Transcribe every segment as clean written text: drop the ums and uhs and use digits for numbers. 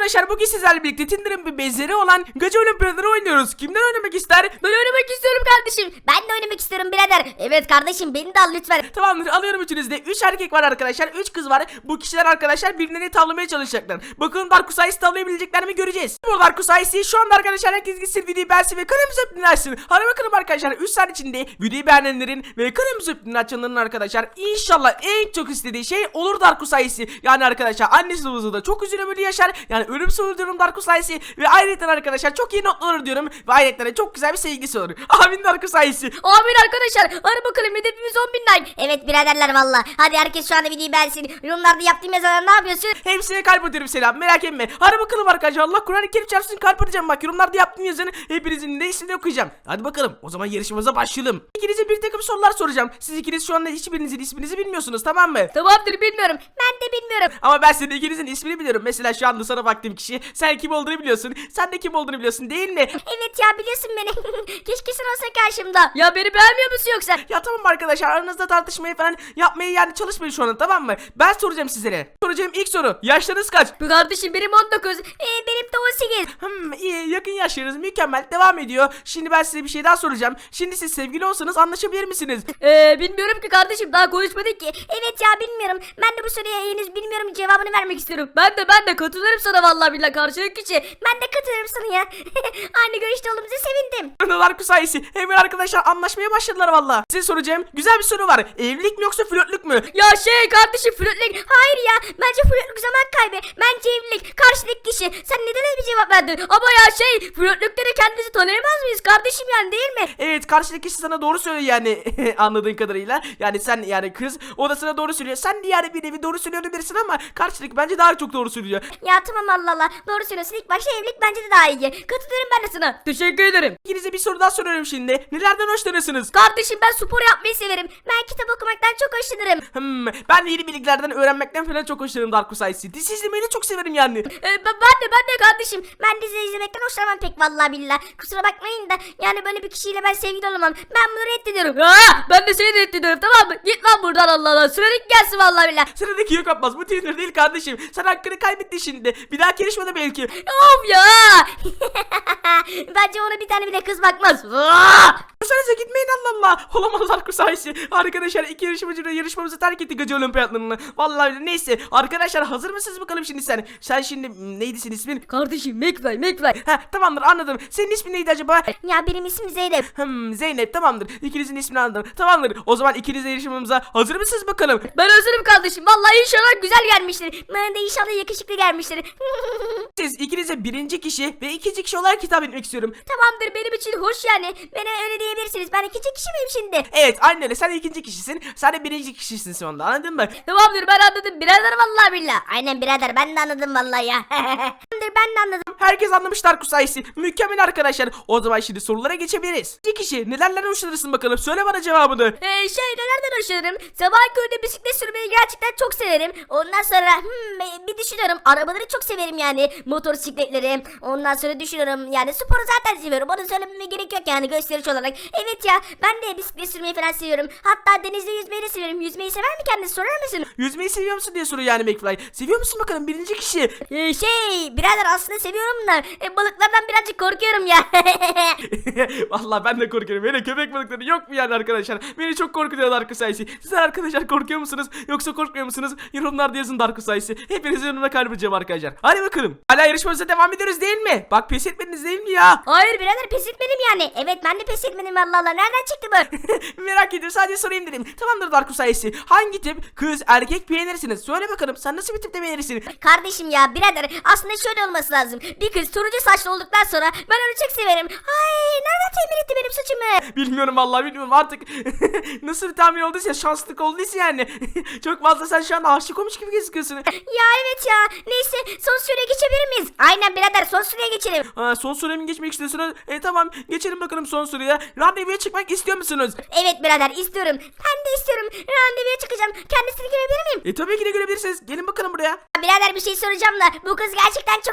arkadaşlar bugün sizlerle birlikte Tinder'ın bir benzeri olan Gacı Olimpiyatları oynuyoruz. Kimden oynamak ister? Ben oynamak istiyorum kardeşim. Ben de oynamak istiyorum birader. Evet kardeşim beni de al lütfen. Tamamdır, alıyorum üçünüzde. 3 erkek var arkadaşlar, 3 kız var. Bu kişiler arkadaşlar birbirlerini tavlamaya çalışacaklar. Bakalım Darkus Ice'i tavlayabilecekler mi göreceğiz. Bu Darkus Ice'i şu anda arkadaşlar herkes gitsin videoyu beğensin ve kanalımıza dinlersin. Hadi bakalım arkadaşlar 3 saat içinde videoyu beğenenlerin ve kanalımıza açanların arkadaşlar İnşallah en çok istediği şey olur Darkus Ice'i. Yani arkadaşlar annesi babası da çok üzülümlü yaşar. Yani ölümsüz diyorum Darkus Ice'i ve ayrıca arkadaşlar çok iyi notlar alır diyorum ve ayrıca çok güzel bir sevgisi olur. Amin Darkus Ice'i. Amin arkadaşlar. Hadi bakalım hedefimiz 10.000 like. Evet biraderler valla. Hadi herkes şu anda videoyu beğensin. Yorumlarda yaptığım yazılar ne yapıyorsun? Hepsine kalp atıyorum, selam, merak etme. Hadi bakalım arkadaşlar, Allah Kur'an-ı Kerim çarpsın, kalp atacağım bak. Yorumlarda yaptığım yazını hepinizin de ismini okuyacağım. Hadi bakalım o zaman yarışmamıza başlayalım. İkinize bir takım sorular soracağım. Siz ikiniz şu anda hiçbirinizin isminizi bilmiyorsunuz, tamam mı? Tamamdır bilmiyorum. Ben de bilmiyorum. Ama ben senin ikinizin ismini biliyorum. Mesela şu anda sana baktığım kişi, sen kim olduğunu biliyorsun. Sen de kim olduğunu biliyorsun değil mi? Evet ya biliyorsun beni. Keşke sen olsa karşımda. Ya beni beğenmiyor musun yoksa? Ya tamam arkadaşlar, aranızda tartışmayı falan yapmayı yani çalışmayın şu anda, tamam mı? Ben soracağım sizlere. Soracağım ilk soru. Yaşlarınız kaç? Bu kardeşim benim 19. Benim de 18. İyi, yakın yaşlarınız, mükemmel, devam ediyor. Şimdi ben size bir şey daha soracağım. Şimdi siz sevgili olsanız anlaşabilir misiniz? Bilmiyorum ki kardeşim daha konuşmadık ki. Evet ya bilmiyorum. Ben de bu soruya henüz bilmiyorum cevabını vermek istiyorum. Ben de katılırım sana vallahi billahi karşılık kişi. Ben de katılırım sana ya. Aynı görüşte olduğumuza sevindim. Darkus Ice'i hemen arkadaşlar anlaşmaya başladılar valla. Size soracağım güzel bir soru var. Evlilik mi yoksa flörtlük mü? Ya kardeşim flörtlük. Hayır ya bence flörtlük zaman kaybı. Bence evlilik. Karşılık kişi. Sen neden öyle bir cevap verdin? Ama ya flörtlükte de kendimizi tanıyamaz mıyız kardeşim yani değil mi? Evet, karşıdaki kişi sana doğru söylüyor yani anladığın kadarıyla. Yani sen yani kız, o da sana doğru söylüyor. Sen de yani bir nevi doğru söylüyor bilirsin ama karşıdaki bence daha çok doğru söylüyor. Ya tamam Allah Allah. Doğru söylüyorsun. İlk başta evlilik bence de daha iyi. Katılıyorum ben de sana. Teşekkür ederim. İkinize bir soru daha soruyorum şimdi. Nelerden hoşlanırsınız? Kardeşim ben spor yapmayı severim. Ben kitap okumaktan çok hoşlanırım. Ben de yeni bilgilerden öğrenmekten falan çok hoşlanırım Darkus Ice'i. Dizi izlemeyi de çok severim yani. Ben de kardeşim. Ben dizi izlemekten hoşlanmam pek vallahi billahi. Kusura bakmayın da yani böyle bir kişiyle ben sevgili olamam. Ben bunu reddediyorum. Ben de seni reddediyorum tamam mı? Git lan buradan Allah Allah. Sıradaki gelsin vallahi billahi. Sıradaki yok Abbas, bu Tinder değil kardeşim. Sen hakkını kaybettin şimdi. Bir daha yarışmada belki. Of ya. Bence ona bir tane bile kız bakmaz. Sanıza gitmeyin Allah Allah. Olamaz Darkus Ice'i. Arkadaşlar iki yarışmacı da yarışmamızı terk etti Gacı Olimpiyatlarını. Vallahi neyse. Arkadaşlar hazır mısınız bakalım şimdi sen? Sen şimdi neydi senin ismin? Kardeşim McFly. Tamamdır, anladım. Senin ismin neydi acaba? Ya benim ismim Zeynep. Zeynep, tamamdır. İkinizin ismini anladım. Tamamdır. O zaman ikiniz de yarışmamıza hazır mısınız bakalım? Ben hazırım kardeşim. Vallahi inşallah güzel gelmiştir. Bana da inşallah yakışıklı gelmiştir. Siz ikinize birinci kişi ve ikinci kişi olarak hitap etmek istiyorum. Tamamdır benim için hoş yani. Bana öyle diyebilirsiniz. Ben ikinci kişi miyim şimdi? Evet, aynen öyle. Sen ikinci kişisin. Sen de birinci kişisin şu anda, anladın mı? Tamamdır ben anladım. Birader vallahi billah. Aynen birader ben de anladım vallahi ya. Tamamdır ben de anladım. Herkes anlamış Darkus Ice'i. Mükemmel arkadaşlar. O zaman şimdi sorulara geçebiliriz. İkinci kişi nelerden hoşlanırsın bakalım. Söyle bana cevabını. Nelerden hoşlanırım? Sabah köründe bisiklet sürmeyi gerçekten çok severim. Ondan sonra bir düşünüyorum. Arabaları çok severim yani. Motosikletleri. Ondan sonra düşünüyorum. Yani sporu zaten seviyorum. Onu söylememe gerek yok yani gösteriş olarak. Evet ya ben de bisiklet sürmeyi falan seviyorum. Hatta denizde yüzmeyi de severim. Yüzmeyi sever mi kendisi sorar mısın? Yüzmeyi seviyor musun diye soruyor yani McFly. Seviyor musun bakalım birinci kişi? Birader aslında seviyorum da balıklardan birazcık korkuyorum ya. Vallahi ben de korkuyorum. Böyle köpek balıkları yok mu yani arkadaşlar? Beni çok korkutuyor Darkus Ice'i. Siz arkadaşlar korkuyor musunuz? Yoksa korkmuyor musunuz? Yorumlarda yazın Darkus Ice'i. Hepinizin yanına kalbicem arkadaşlar. Hadi bakalım. Hala yarışmamıza devam ediyoruz değil mi? Bak pes etmediniz değil mi ya? Hayır birader pes etmedim yani. Evet ben de pes etmedim Allah Allah. Nereden çıktı bu? Merak ediyorum, sadece sorayım dedim. Tamamdır Darkus Ice'i. Hangi tip kız erkek beğenirsiniz? Söyle bakalım, sen nasıl bir tipte beğenirsin? Kardeşim ya birader aslında şöyle olması lazım. Bir kız turuncu saçlı olduktan sonra ben onu çok severim. Ay nereden temin etti benim saçımı? Bilmiyorum vallahi, bilmiyorum artık. Nasıl bir tahmin olduysa, şanslık olduysa yani. Çok fazla sen şu an aşık olmuş gibi gözüküyorsun. Ya evet ya. Neyse son süreye geçebilir miyiz? Aynen birader son süreye geçelim. Son süreye mi geçmek istiyorsunuz? Tamam, geçelim bakalım son süreye. Randevuya çıkmak istiyor musunuz? Evet birader istiyorum. Ben de istiyorum. Randevuya çıkacağım. Kendisini görebilir miyim? Tabii ki de görebilirsiniz. Gelin bakalım buraya. Birader bir şey soracağım da bu kız gerçekten çok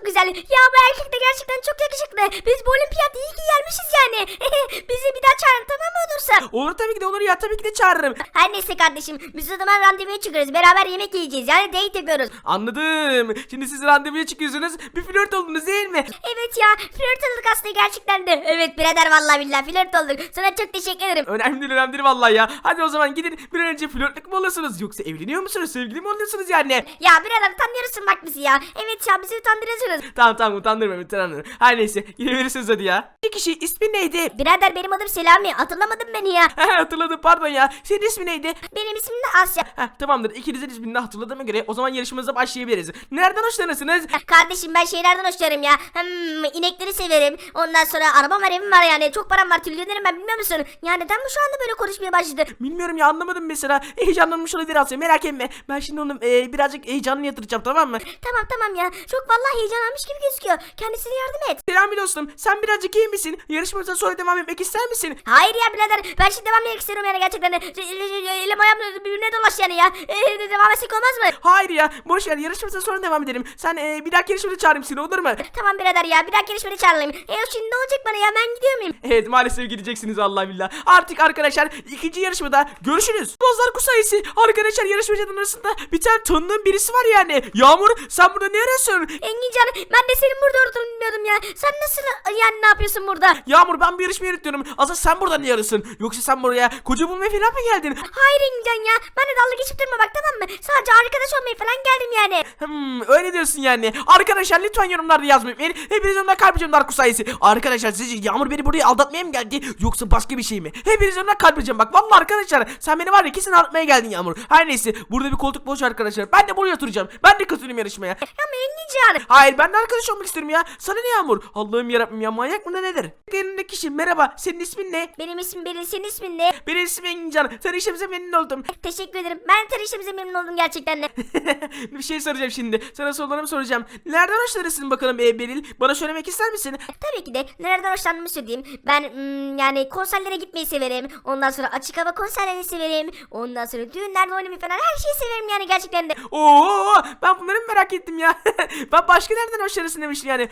çok güzel. Ya bu erkek de gerçekten çok yakışıklı. Biz bu olimpiyat iyi ki gelmişiz yani. Bizi bir daha çağırın, tamam mı olursa? Olur tabii ki de olur ya, tabii ki de çağırırım. Her neyse kardeşim, biz o zaman randevuya çıkıyoruz. Beraber yemek yiyeceğiz. Yani date yapıyoruz. Anladım. Şimdi siz randevuya çıkıyorsunuz. Bir flört oldunuz değil mi? Evet ya, flört olduk aslında gerçekten de. Evet birader, vallahi billahi flört olduk. Sana çok teşekkür ederim. Önemli değil vallahi ya. Hadi o zaman gidin bir an önce flörtlük mü olursunuz yoksa evleniyor musunuz? Sevgili mi oluyorsunuz yani? Ya birader, utanıyorsun bak bizi ya. Evet ya, bizi utandırıyorsunuz. Tamam utandırma. Her neyse gidebilirsiniz hadi ya. Bir kişi ismi neydi? Birader, benim adım Selami. Hatırlamadın beni ya. Hatırladım, pardon ya. Senin ismi neydi? Benim ismim de Asya. Tamamdır, ikinizin ismini de hatırladığıma göre o zaman yarışmamıza başlayabiliriz. Nereden hoşlanırsınız? Kardeşim, ben şeylerden hoşlanırım ya. İnekleri severim. Ondan sonra arabam var, evim var yani. Çok param var, trilyonerim ben, bilmiyor musun? Ya neden bu şu anda böyle konuşmaya başladı? Bilmiyorum ya, anlamadım mesela. Heyecanlanmış olabilir Asya, merak etme. Ben şimdi onu birazcık heyecanını yatıracağım, tamam mı? Tamam ya. Çok vallahi heyecanlanmış gibi gözüküyor. Kendisine yardım et. Selam dostum, sen birazcık iyi misin? Yarışmamıza sonra devam etmek ister misin? Hayır ya birader, ben şimdi devam etmek istiyorum yani gerçekten. Elim ayağım birbirine dolaş yani ya. Devam etsek olmaz mı? Hayır ya, boş ver, yarışmamıza sonra devam edelim. Sen bir dahaki yarışmada çağırayım seni, olur mu? Tamam birader ya, bir dahaki yarışmada çağırayım. Şimdi ne olacak bana ya, ben gidiyor muyum? Evet, maalesef gideceksiniz Allah billah. Artık arkadaşlar ikinci yarışmada görüşürüz. Bozlar Kusayisi arkadaşlar, yarışmacıların arasında bir tane tanıdığım birisi var yani. Yağmur, sen burada ne arıyorsun? Engincan, ben de senin burada olduğunu bilmiyordum ya. Sen nasıl yani, ne yapıyorsun burada? Yağmur, ben bir yarışma yürütüyorum. Asıl sen burada ne arıyorsun? Yoksa sen buraya koca bulmaya falan mı geldin? Hayır Engincan ya, ben de dalga geçip durma bak, tamam mı? Sadece arkadaş olmaya falan geldim yani. Öyle diyorsun yani. Arkadaşlar lütfen yorumlarda yazmayın. Hepiniz ondan kalp atacağım Dark Kusayisi. Arkadaşlar sizce Yağmur beni buraya aldatmaya mı geldi? Yoksa başka bir şey mi? Hepiniz ondan kalp atacağım bak. Vallahi arkadaşlar sen beni var ya kesin aldatmaya geldin Yağmur. Her neyse, burada bir koltuk boş arkadaşlar. Ben de buraya oturacağım. Ben de katılayım yarışmaya. Ama Engincan. Hayır, ben de arkadaş olmak istiyorum ya. Sana ne Yağmur? Allah'ım yarabbim ya, manyak mı ne nedir? Yanımdaki kişi merhaba. Senin ismin ne? Benim ismim Beril, senin ismin ne? Benim ismim Engincan. Tanıştığımıza memnun oldum. Teşekkür ederim. Ben tanıştığımıza memnun oldum gerçekten de. Bir şey soracağım şimdi. Sana sorularımı soracağım. Nereden hoşlanırsın bakalım Beril? Bana söylemek ister misin? Tabii ki de nereden hoşlandığımı söyleyeyim. Ben yani konserlere gitmeyi severim. Ondan sonra açık hava konserlerini severim. Ondan sonra düğünlerde oynamayı falan, her şeyi severim yani gerçekten de. Oo, ben bunları mı merak ettim ya? Ben başka nereden hoşlanırsın demiştim yani.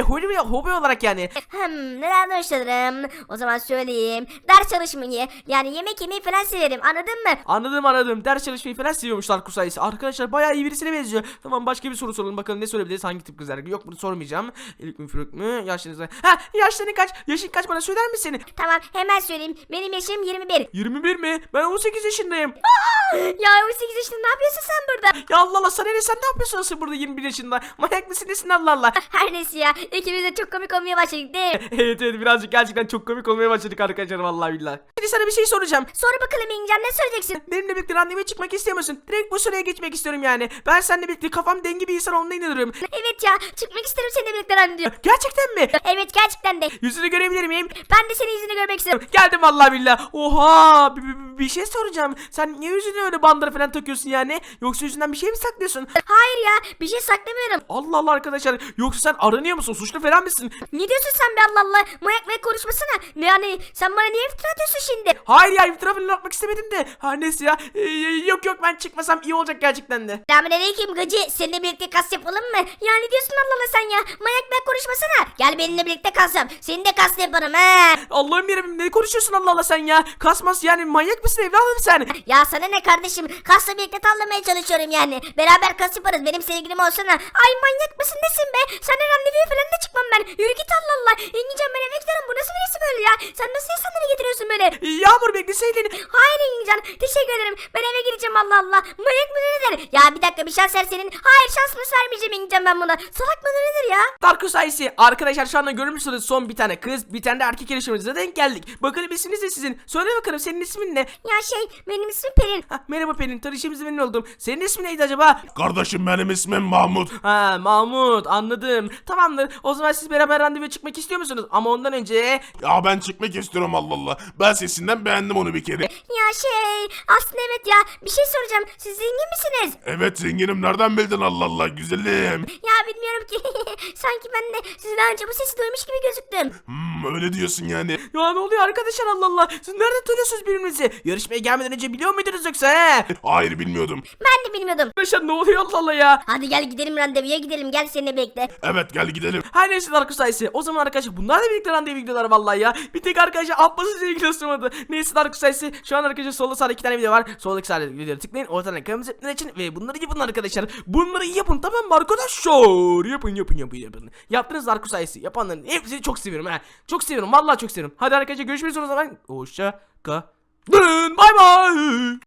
Hobi olarak yani. Nereden hoşlanırım? O zaman söyleyeyim. Ders çalışmayı, yani yemek yemeyi falan severim. Anladın mı? Anladım. Ders çalışmayı falan seviyormuşlar Kusayisi. Arkadaşlar bayağı iyi birisine benziyor. Tamam, başka bir soru soralım bakalım ne sorabiliriz, hangi tip kızlar? Yok, bunu sormayacağım. İlk mi flört mü? Yaşınız ne? Yaşların kaç? Yaşın kaç, bana söyler misin? Tamam, hemen söyleyeyim. Benim yaşım 21. 21 mi? Ben 18 yaşındayım. Ya 18 yaşında ne yapıyorsun sen burada? Ya Allah Allah, sana ne, sen ne yapıyorsun asıl burada 21 yaşında? Manyak mısın nesin Allah Allah? Her neyse ya, ikimiz de çok komik olmaya başladık değil mi? Evet birazcık gerçekten çok komik olmaya başladık arkadaşlar, vallahi billahi. Şimdi sana bir şey soracağım. Sor bakalım İngilizce, ne söyleyeceksin? Benimle birlikte randevuya çıkmak istiyor musun? Direkt bu sıraya geçmek istiyorum yani. Ben seninle birlikte kafam dengi bir insan olduğuna inanıyorum. Evet ya, çıkmak isterim seninle birlikte randevu. Gerçekten mi? Evet, gerçekten de. Yüzünü görebilir miyim? Ben de senin yüzünü görmek istiyorum. Geldim vallahi billahi. Oha, bir şey soracağım. Sen niye yüzüne öyle bandıra falan takıyorsun yani? Yoksa yüzünden bir şey mi saklıyorsun? Hayır ya, bir şey saklamıyorum. Allah Allah arkadaşlar. Yoksa sen aranıyor musun? Suçlu falan mısın? Ne diyorsun sen be, Allah Allah? Manyak konuşmasana. Yani sen bana niye iftira atıyorsun şimdi? Hayır ya, iftira falan atmak istemedim de. Her neyse ya. Yok ben çıkmasam iyi olacak gerçekten de. Selamünaleyküm gacı. Seninle birlikte kas yapalım mı? Ya ne diyorsun Allah Allah sen ya? Manyak konuşmasana. Gel benimle birlikte kas yap. Senin de kas yaparım he. Allah'ım yarabbim, ne konuşuyorsun Allah Allah sen ya? Kasmas yani, manyak mısın evladım sen? Ya sana ne kardeşim? Kasla birlikte tavlamaya çalışıyorum yani. Beraber kas yaparız. Benim sevgilim olsana. Ay manyak mısın nesin be? Seninle randevuya falan da çıkmam ben. Yürü git Allah Allah. İngilizcem, ben eve giderim. Bu nasıl birisi böyle ya? Sen nasıl insanları getiriyorsun böyle? Yağmur, bekleseydin. Hayır İngilizcan, teşekkür ederim. Ben eve gideceğim Allah Allah. Manyak mı nedir? Ya bir dakika, bir şans ver senin. Hayır, şansımı vermeyeceğim İngilizcan ben buna. Salak mı nedir ya? Dark Kusayisi arkadaşlar, şu anda görmüşsünüz son bir tane kız, bir tane de erkek yarışmacımıza denk geldik. Bakalım isminiz ne sizin? Söyle bakalım, senin ismin ne? Ya benim ismim Pelin. Merhaba Pelin, tanıştığımıza memnun oldum. Senin ismin neydi acaba? Kardeşim benim ismim Mahmut. Mahmut, anladım. Tamamdır, o zaman siz beraber randevuya çıkmak istiyor musunuz? Ama ondan önce... Ya ben çıkmak istiyorum Allah Allah. Ben sesinden beğendim onu bir kere. Ya aslında evet ya, bir şey soracağım. Siz zengin misiniz? Evet zenginim, nereden bildin Allah Allah güzelim. Ya bilmiyorum ki. Sanki ben de sizden önce bu sesi duymuş gibi gözüktüm. Öyle diyorsun yani. Ya ne oluyor arkadaşlar, Allah Allah. Siz nereden tanıyorsunuz birbirinizi? Yarışmaya gelmeden önce biliyor muydunuz yoksa he? Hayır bilmiyordum. Ben de bilmiyordum. Arkadaşlar ne oluyor, Allah Allah ya. Hadi gel gidelim randevuya gidelim. Gel seninle bekle. Evet gel gidelim. Her neyse Darkus sayısı. O zaman arkadaşlar bunlar da birlikte randevu videoları vallahi ya. Bir tek arkadaşlar Abbas'ın ilgili ısırmadı. Neyse Darkus sayısı. Şu an arkadaşlar solda sağda 2 tane video var. Soldaki sağda videoları tıklayın. Ortadan kırmızı ipler için ve bunları yapın arkadaşlar. Bunları yapın, tamam mı arkadaşlar? Yapın. Yaptınız Darkus sayısı. Yapanların hepsini çok seviyorum ha. Çok seviyorum, vallahi çok seviyorum. Hadi arkadaşlar görüşmek üzere o zaman. Hoşça kalın. Bay bay.